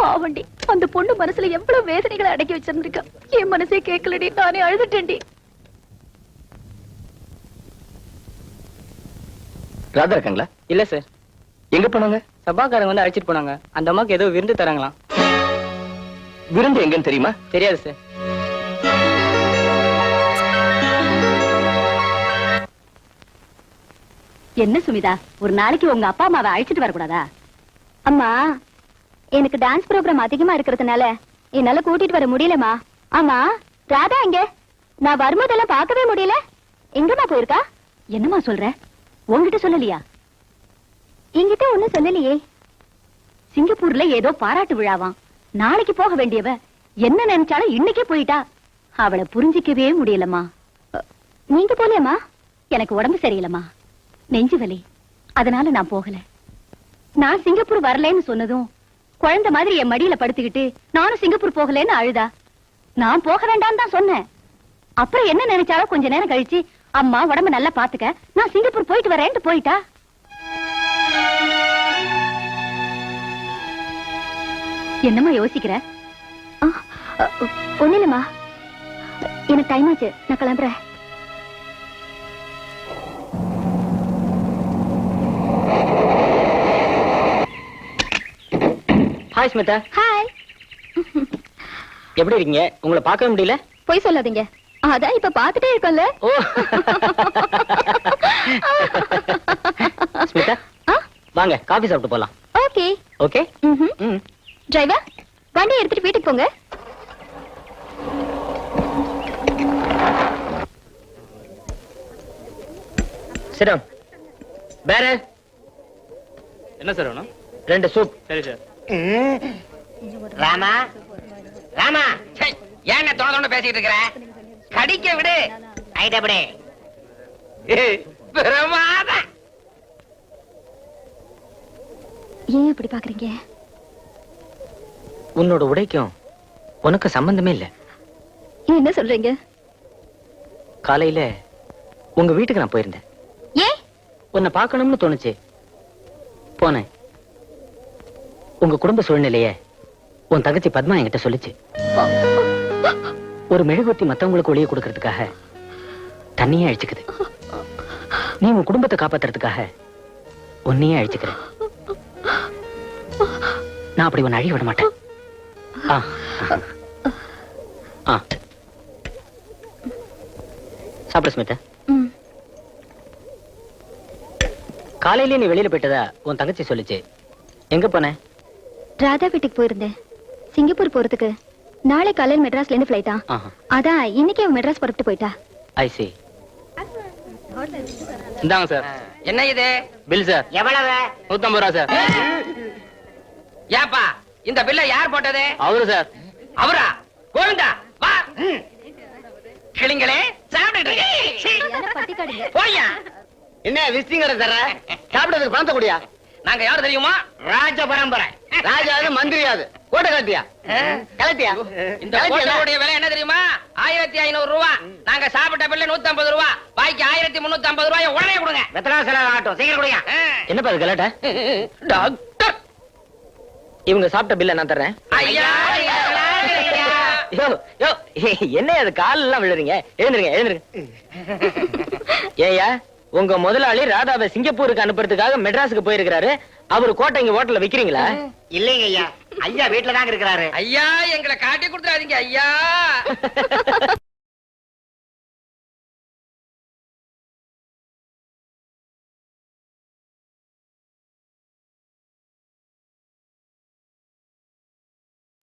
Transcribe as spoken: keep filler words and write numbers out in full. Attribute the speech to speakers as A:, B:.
A: பாவண்டி, அந்த பொண்ணு மனசுல எவ்வளவு வேதனைகளை அடக்கி வச்சிருந்திருக்கா. என் மனசே கேட்கலடி, நானே அழுதுட்டேன்டி.
B: ராதா இருக்காங்களா?
C: இல்ல சார்.
B: எங்க போனாங்க?
C: சபாக்காரங்க வந்து அழைச்சிட்டு போனாங்க. அந்த அம்மாக்கு ஏதோ விருந்து தராங்களாம்.
B: விருந்து எங்கன்னு தெரியுமா?
C: தெரியாது சார்.
A: என்ன சுமிதா, ஒரு நாளைக்கு உங்க அப்பா அம்மாவை அழைச்சிட்டு வரக்கூடாதா?
D: அம்மா, எனக்கு டான்ஸ் ப்ரோக்ராம் அதிகமா இருக்கிறதுனால என்னால கூட்டிட்டு வர முடியலமா. ஆமா, ராதா எங்க? நான் வரும்போதெல்லாம் பார்க்கவே முடியல. எங்கம்மா போயிருக்கா?
A: என்னம்மா சொல்ற? உங்ககிட்ட சொல்லலையா?
D: என்கிட்ட ஒண்ணும் சொல்லலையே.
A: சிங்கப்பூர்ல ஏதோ பாராட்டு விழாவாம், நாளைக்கு போக வேண்டியவ என்ன நினைச்சாலும் இன்னைக்கே போயிட்டா. அவளை புரிஞ்சிக்கவே முடியலம்மா.
D: நீங்க போலியம்மா?
A: எனக்கு உடம்பு சரியில்லம்மா, நெஞ்சு வலி, அதனால நான் போகல. நான் சிங்கப்பூர் வரலன்னு சொன்னதும் குழந்தை மாதிரி என் மடியில படுத்துக்கிட்டு நானும் சிங்கப்பூர் போகலன்னு அழுதா. நான் போக வேண்டாம் தான் சொன்னேன். அப்புறம் என்ன நினைச்சாலும் கொஞ்ச நேரம் கழிச்சு, அம்மா உடம்ப நல்லா பாத்துக்க, நான் சிங்கப்பூர் போயிட்டு வரேன்ட்டு போயிட்டா. என்னம்மா யோசிக்கிற?
D: ஒண்ணு இல்லம்மா, எனக்கு டைம் ஆச்சு, நான் கிளம்புறேன்.
C: ஹாய் ஸ்மிதா.
D: ஹாய்.
C: எப்படி இருக்கீங்க? உங்களை பார்க்கவே முடியல.
D: போய் சொல்லாதீங்க, அதான் இப்ப பாத்துட்டே இருக்கோம்ல.
C: ஓ ஸ்மிதா, வாங்க காபி சாப்பிட்டு போலாம்.
D: Okay
C: okay.
D: ம். டிரைவர், வண்டி எடுத்துட்டு வீட்டுக்கு போங்க.
C: சிரம் வேற
E: என்ன சார் வேணும்?
C: ரெண்டு சூப்.
E: சரி சார்.
F: ராமா, ராமா, ஏன் தொண தொண பேசிட்டு இருக்கிற? கடிக்க விடு. ஐடபடி பிரமாதம்.
D: ஏன் இப்படி பாக்குறீங்க?
C: உன்னோட உடைக்கும் உனக்கு சம்பந்தமே இல்ல.
D: என்ன சொல்றீங்க?
C: காலையில உங்க வீட்டுக்கு நான் போயிருந்தேன்.
D: ஏன்?
C: உன்னை பார்க்கணும்னு தோணுச்சு, போனேன். உங்க குடும்ப சூழ்நிலைய உன் தங்கச்சி பத்மா என்கிட்ட சொல்லிச்சு. ஒரு மெழுகுவர்த்தி மத்தவங்களுக்கு ஒளிய கொடுக்கறதுக்காக தண்ணியே அழிச்சுக்குது. நீ உன் குடும்பத்தை காப்பாத்துறதுக்காக உன்னையே அழிச்சுக்கிற. நான் அப்படி உன்னை அழிய விட மாட்டேன். ஆ ஆ சாப்பிட ஸ்மிதா. காலையிலே நீ வெளியில போயிட்டதா உன் தங்கச்சி சொல்லிச்சு. எங்க போன?
D: ராதா வீட்டுக்கு போயிருந்தேன். சிங்கப்பூர் போறதுக்கு நாளை காலையில் மெட்ராஸ்ல இருந்து பிளைட்டா. அதான் இன்னைக்கே மெட்ராஸ் புறப்பட்டு போயிட்டா.
C: I see.
E: இந்தாங்க சார்.
F: என்ன இது?
E: Bill sir.
F: எவ்வளவு?
E: நூத்தி ஐம்பது ரூபா சார்.
F: ஏப்பா, இந்த பில்ல யார் போட்டது?
E: அவரு சார்.
F: அவரா? கோவிந்தா வா. கிளிங்களே சாப்பிட்டு போய்யா.
B: என்ன விசிங் கடை தர? சாப்பிடுறதுக்கு பணத்தை கூடியா?
F: நாங்க யாரு தெரியுமா? ராஜ பரம்பரை.
B: ராஜாவது மந்திரியாது. கோட்டை கட்டியா? கலட்டியா?
F: இந்த கோட்டையுடைய விலை என்ன தெரியுமா? ஆயிரத்தி ஐநூறு ரூபா. நாங்க சாப்பிட்ட பில்ல நூத்தி ஐம்பது ரூபா. பாக்கி ஆயிரத்தி முன்னூத்தி ஐம்பது ரூபாய் உடனே கொடுங்க.
B: வெத்தனாசல ஆட்டம் சீக்கிரம் கொடுங்க.
C: என்னப்பா இது கலாட்டா?
F: டாக்டர்,
C: இவங்க சாப்பிட்ட பில்ல நான் தர்றேன்.
F: ஐயா
C: யோ யோ, என்ன அது கால் எல்லாம் விழுறீங்க? எழுந்துருங்க எழுந்துருங்க. ஏயா, உங்க முதலாளி ராதாவை சிங்கப்பூருக்கு அனுப்புறதுக்காக மெட்ராஸுக்கு போயிருக்கிறாரு. அவரு கோட்டை இங்க ஹோட்டல்ல விக்கிறீங்களா?
F: இல்லைங்க ஐயா, ஐயா வீட்டுல தாங்க இருக்கிறாரு. ஐயா எங்களை காட்டி கொடுத்துறாதீங்க ஐயா.